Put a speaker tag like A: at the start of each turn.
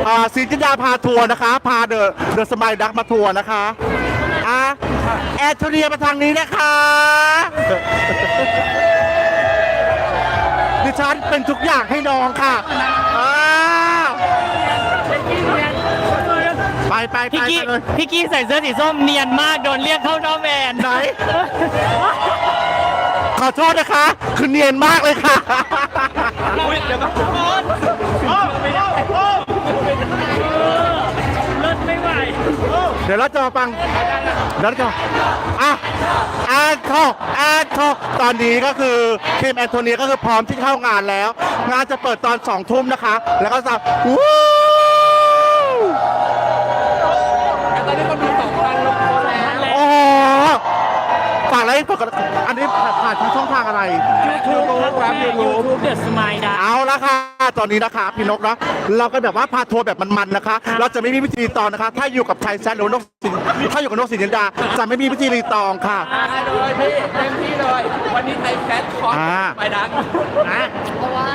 A: ศิลปินดาพาทัวร์นะคะพาเดอะสมัยดักมาทัวร์นะคะแอร์โทเรียมาทางนี้นะคะดิฉันเป็นทุกอย่างให้น้องค่ะไปเลย
B: พี่กี้ใส่เสื้อสีส้มเนียนมากโดนเรียกเข้านอกแมน
A: ไหนขอโทษนะคะคือเนียนมากเลยค่ะเดี๋ยวก็
B: ไม่ไหว
A: เดี๋ยวเราจะมาฟังแล้วจะแอนโทตอนนี้ก็คือทีมแอนโทเนียก็คือพร้อมที่เข้างานแล้วงานจะเปิดตอน2 ทุ่มนะคะ แล้วก็จะวู้ตอนนี้คนดู2,000 ลงแล้วโอ้ฝากอะไรอันนี้ผ่านทางช่องทางอะไร
B: YouTube The Smile ดา
A: เอาละค่ะตอนนี้นะคะพี่นกนะเราก็แบบว่าพาทัวร์แบบมันๆนะคะ เราจะไม่มีวิธีรีตองนะคะ ถ้าอยู่กับชายแซนหรือนกสินถ้าอยู่กับนกสินดาจะไม่มีวิธีรีตองค่ะ
C: เลยพี่เต็มที่เลยวันนี้ไทยแฟชคอร์สไปดัง